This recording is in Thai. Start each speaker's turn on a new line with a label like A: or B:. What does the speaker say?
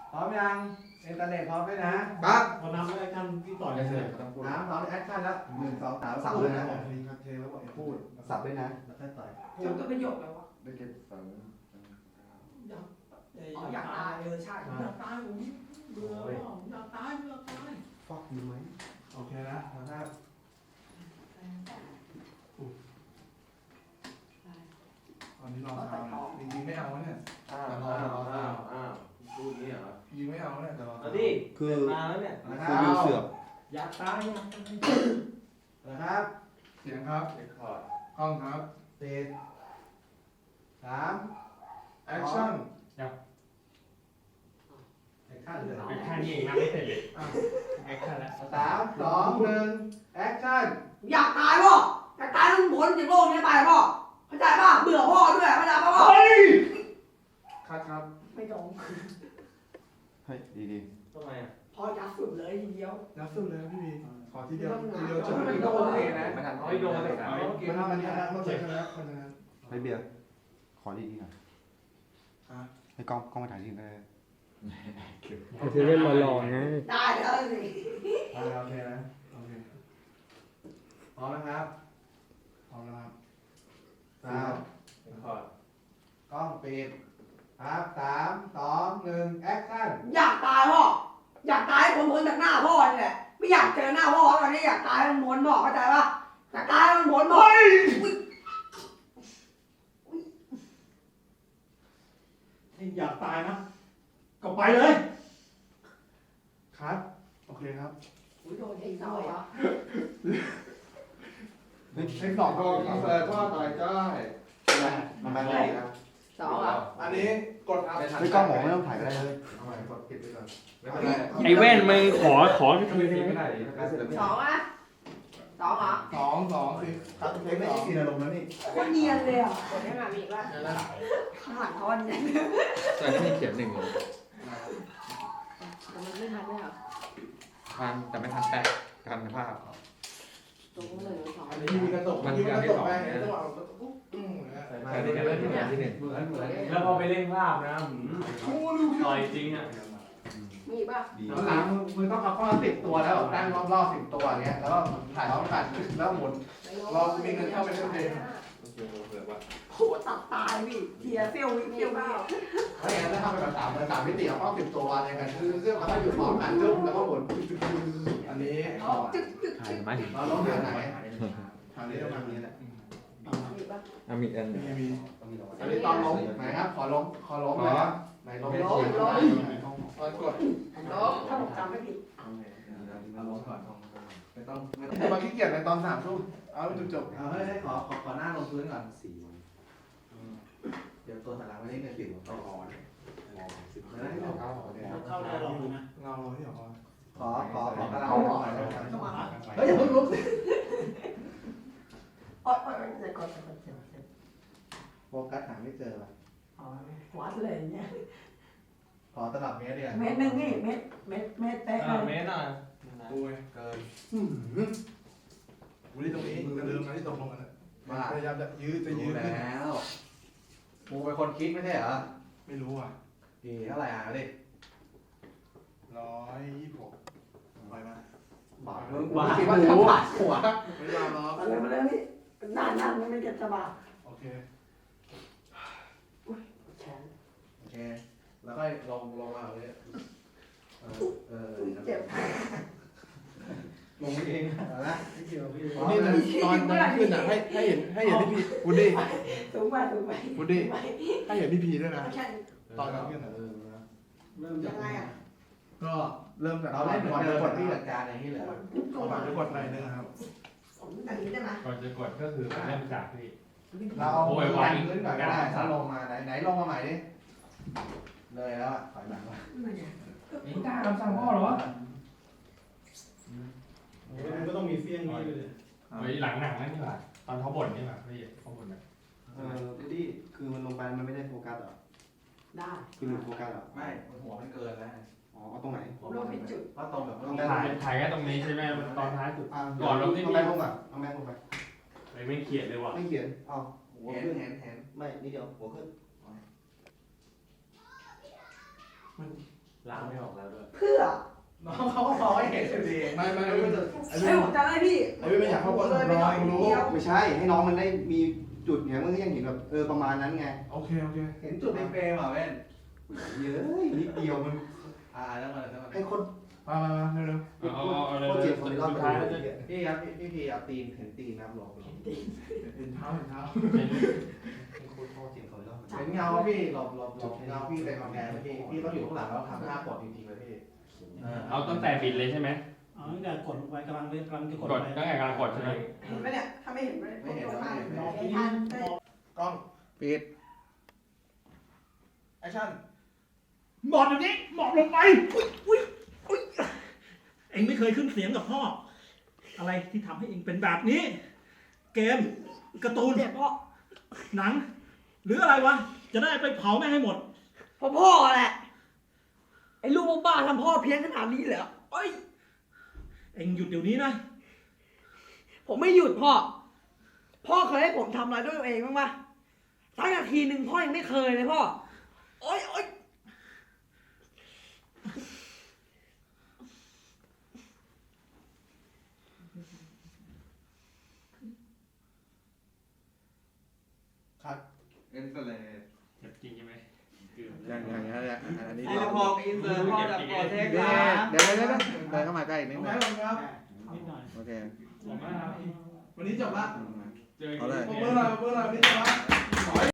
A: พร้อมยังอินเทอร์เน็ตพร้อมไหมนะครับ
B: พอนำแล้วกันที่ต่อเลย
A: พร้อมแอคชั่นแล้ว1 2 3สับด้วยนะพูดสับด้วยนะแล้วค่อยต่อย
C: จบตัวประโยคแล้ววะ
D: ได้เก็บฝัง
C: อยากตายใช่อยากตายผมเบื่ออยากตาย
A: ฟอกอยู่ไหมโอเคนะนะครับตอนนี้รอทำจริงๆไม่เอาเนี่ย
D: อ้าวพูดนี้เหรอ
A: ยิงไม่เอาเนี่ยแต่รอ
B: เอาดิคือมาแล้วเนี่ย
A: คือวิวเสือก
B: อยากตาย
A: นะครับเสียงครับ
D: เรคคอร์ด
A: กล้องครับ3แอคชั่นแอคชั่นเลย
B: แอคชั่นนี่เองนะไม่เสร็จเลยแอคชั่นแล้ว
A: 3 2 1แอคชั่น
C: อยากตายพ่ออยากตายต้องพ้นจากโลกนี้ไปพ่อเข้าใจป่ะเบื่อพ่อด้วยเข้าใจป่ะพ่อ
A: ครับ
C: ไม่ตรง
D: เฮ้ยดี
B: ทำไมอ่ะ
C: พ่อยัดสุดเลยทีเดียว
A: ยับสุดเลยพี่บีขอทีเดียวจบ
C: ไม่
A: ก็
C: โด
A: โอน เคนะ
D: ไม่ทัน
B: ไม่โดนเลย
A: มันชนะต้องเจอกันแล้วคนชนะ
D: ให้เบียร์ขอดีๆหน่อยให้กล้องมาถ่ายทีได้
E: จะเล่นหล่อๆไง
C: ได้เลยสิ
A: โอเคนะโอเคพร้อมนะครับพร้อมนะครับ3
B: เรคคอร์ด
A: กล้องปิดครับ3 2 1แอคชั่น
C: อยากตายพ่ออยากตายผมพ้นจากหน้าพ่อนี่แหละไม่อยากเจอหน้าพ่อตอนนี้อยากตายมันพ้นพ่อเข้าใจป่ะอยากตายมันพ้นพ่อ
B: อยากตายนะก็ไปเลย
A: ครับโอเคครับ
C: โดนยิงด้วยอ่ะ
A: เทค2ก็อินเสิร์ตว่าต่อยจ้อย
D: มันไปไหนครับ
C: สองอ่ะ
A: อันนี้กดครับ
D: ไม่กล้องหมอไม่ต้องถ่ายก็ได้เลย
A: เอาใหม่กดปิดไปก่อน
D: ไม่เป็นไร
E: ไอ้แว่นมึงขอ
D: ไม่ได้ไม่
C: สองอ่ะสองอ่ะ
A: 2 คือครับเทคไม่ใช่ซีนอารมณ์แล้วนี่
C: คนเนียนเลยอ่ะคนนี้มามีว่าข้างหลังเขาวันนี้
D: แต่ที่มีเขียน1เลย
C: แต่มันไม่ทันเลยอ่ะ
D: ทันแต่ไม่ทันแปะกันภาพ
C: ตรงเลยสอง
A: อันนี้มีกระจกมีกระจกไปจังหวะปุ๊บ
D: แต่นี่ก็เริ่มที่1
A: เหมือน
B: แล้วพอไปเล่นภาพนะต่อยจริงอ่ะ
C: มีป่ะ
D: ดี
A: หลังมือต้องเอาข้อ10 ตัวแล้วตั้งรอบ10 ตัวเนี้ยแล้วก็ถ่ายพร้อมกันแล้วหมุนเรามีเงินเข้าไปเล่นเกม
D: เผื่อว่า
C: โหตัดตายพี่เทียเซี่ยววิเซี่ยววิ
A: เพราะงั้นถ้าทำเป็นแบบ3 มิติเอาข้อ10 ตัววางอย่างนั้นคือซึ่งเขาอยู่พร้อมกันซึ่งแล้วก็หมุนอันนี้
C: จึ๊กจึ๊ก
D: ถ่ายไหม
A: เราลงทางไหนทางนี้ประมาณนี้แหละ
C: มีป่ะ
D: มีอัน
A: มีอันนี้ตอนลงไหนครับขอลงเลยครับไหนลงกด
C: ลบถ้าผมจำไม่ผิด
A: ลงก่อนไม่ต้องมาขี้เกียจในตอน3 ทุ่มเอาจบเอาให้ขอหน้าลงพื้นก่อน4 วันเดี๋ยวตัวสลังไม่ได้เงิน10ต้องรอ
B: เข้าได้หรอกนะ
A: เราที่ขอกระลาหน่อยเฮ้ยอย่าเพิ่งลุกสิ
C: โอ๊ยเดี๋ยวก่อน
A: โฟกัสหาไม่เจอว่ะ
C: วัดเลยเนี่ย
A: ขอตลับเมตรเดียว
C: เม็ดนึงนี่เม็ดเป๊ะเลย
B: เมตรหน่อย
A: โอ้ยเกินกูที่ตรงนี้จะลืมนะที่ตกลงกันมาพยายามจะยืดแล้วกูเป็นคนคิดไม่ใช่เหรอไม่รู้อ่ะดีเท่าไหร่อ่ะดิ126ไปมาบาทคิดว่าจะบาดหัวไม่ยอมหรอก
C: มาเลยพี่นั่นไม่เก็บสบาย
A: โอเค
C: แขน
A: โอเคแล้วค่อยลงมาเลย
C: เจ็บ
A: ลงเองนะ
C: นี่
A: ตอนขึ้นอ่ะให้เห็นพี่พีวุฒิ
C: สูงไป
A: วุฒิให้เห็นพี่พีด้วยนะ
C: แค่
A: ตอนขึ้นอ่ะ
C: เริ่มยังไงอ่ะ
A: ก็เริ่มจากเราเล่นก่อนกดที่จัดการอะไรที่เหลือก่อนจะกดอะไรนะครับ
C: อย่างนี้ได้ไหม
B: ก่อนจะกดก็คือเริ่มจากที่
A: เราเอาพื้นก่อนก็ได้ถ้าลงมาไหนลงมาใหม่ดิเลยแล้วอ่ะถอยหลังมา
B: นี่กล้าคำสั่งพ่อเหรอมันก็ต้องมีเฟี้ยงนี้ไปเลยไว้หลังหนังนั่นนี่หว่าตอนเขาบ่นนี่หว่าพี่เขาบ่นแบบ
D: ดิคือมันลงไปมันไม่ได้โฟกัสหรอ
C: ได้
D: คือหลุดโฟกัสหรอ
A: ไม่หัวมันเกินแล้ว
D: อ๋อเอาตรงไหน
C: ผมลงผิดจุด
A: ก็ตรงแบบ
B: ถ่ายแค่ตรงนี้ใช่ไหมตอนท้ายสุด
D: ก่อนลงที่แม่ลงอ่ะเอาแม่ลงไป
B: ไม่เขียนเลยว่ะ
D: ไม่เขียนเอาหัว
A: เห็น
D: ขึ้น
A: เห็น
D: ไม่นิดเดียวหัวขึ้น
B: แล้างไม่ออกแล้วด้วย
C: เพื่อ
A: น้องเขาก็มองให้เห็นอยู่ดีไม่ไอ้พี่จะไอ้พี่
C: ให้ผมจำได้พี่
A: ไอ้พี่ไม่อยากเข้าไปเลยไม่อยากรู้
D: ไม่ใช่ ให้น้องมันได้มีจุดเนี่ยมันก็ยังเห็นแบบประมาณนั้นไง
A: โอเคเห็นจุดในเฟรมอ่ะเว้น
D: เยอะนิดเดียวมัน
A: แล้วมัน
D: ให้คน
A: มาเร็ว
B: เอาเลย
D: โคตรเจ็บคนรอบ
B: สุด
D: ตัว
B: ท้ายแล้วจะ
A: พี่ครับพี่พีเอาตีนเห็นตีนนะครับหลอกเห็นเท้าเห็นเงาพี่หลบเงาพี่ไปกำแพงเลยพี่ต้องอยู่ข้างหลังแล้วทำท่ากดจริงๆเลยพี่
B: เอาตั้งแต่บิดเลยใช่ไหม
F: อ๋อตั้งแต่กดลงไปกำลังจะกด
B: ก
F: ล
B: ด
F: งไป
B: ตั้งแต่กำลังกดใช่ไหม
C: เห็นไหมเนี่ยถ้าไม่เห็นไม่เห็นไม่เห็น
A: กล้องปิดแอคชั่น
F: หมอบอยู่นี้หมอบลงไปเอ็งไม่เคยขึ้นเสียงกับพ่อ อะไรที่ทำให้เอ็งเป็นแบบนี้ เกมการ์ตูน
C: เนี่ยพ่อ
F: หนัง หรืออะไรวะ จะได้ไปเผาแม่งให้หมด
C: พ่อแหละไอ้ลูกบ้าทำพ่อเพี้ยนขนาดนี้เหรอเอ้ย
F: เอ็งหยุดเดี๋ยวนี้นะ
C: ผมไม่หยุดพ่อเคยให้ผมทำอะไรด้วยตัวเองบ้างปะสักนาทีหนึ่งพ่อยังไม่เคยเลยพ่อโอ๊ย
A: ครับเอ็นก็เลย
B: เจ็บจริงใช่ไหม
A: อย่างอันนี้
G: ไอ้ละพออินเสิร์ตพ่อจากโปรเทค
A: เดี๋
G: นะ
A: ยวเดินเข้ามาใกล้นิดนึง
F: ครับ
A: โอเค
B: ผมว่า
A: วันนี้จบละ
B: เจอ
A: เอาเลย
B: เกม
A: เมื่อไรวันนี้จบละ